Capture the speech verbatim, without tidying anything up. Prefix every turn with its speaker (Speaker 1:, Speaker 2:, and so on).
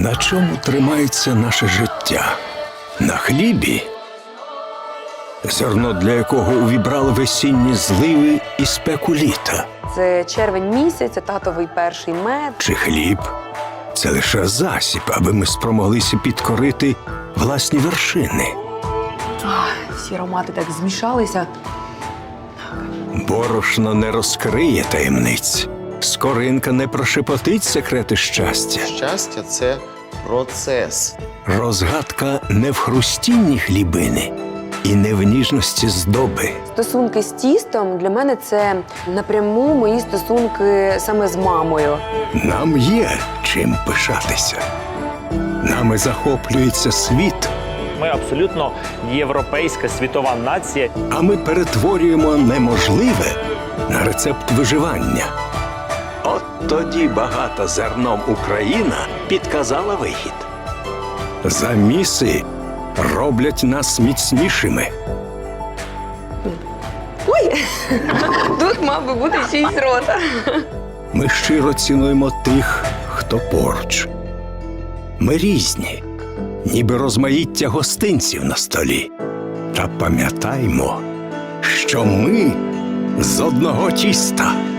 Speaker 1: На чому тримається наше життя? На хлібі? Зерно, для якого увібрали весінні зливи і спеку літа?
Speaker 2: Це червень місяць, це татовий перший мед.
Speaker 1: Чи хліб? Це лише засіб, аби ми спромоглися підкорити власні вершини.
Speaker 2: Ах, всі аромати так змішалися.
Speaker 1: Борошно не розкриє таємниць. Скоринка не прошепотить секрети щастя.
Speaker 3: Щастя – це процес.
Speaker 1: Розгадка не в хрустінні хлібини і не в ніжності здоби.
Speaker 2: Стосунки з тістом для мене це напряму мої стосунки саме з мамою.
Speaker 1: Нам є чим пишатися. Нами захоплюється світ,
Speaker 4: Ми абсолютно європейська світова нація.
Speaker 1: а ми перетворюємо неможливе на рецепт виживання. От тоді багата зерном Україна підказала вихід. Заміси роблять нас міцнішими.
Speaker 2: Ой! Тут мав би бути шість рота.
Speaker 1: Ми щиро цінуємо тих, хто поруч. Ми різні, ніби розмаїття гостинців на столі. Та пам'ятаймо, що ми з одного тіста.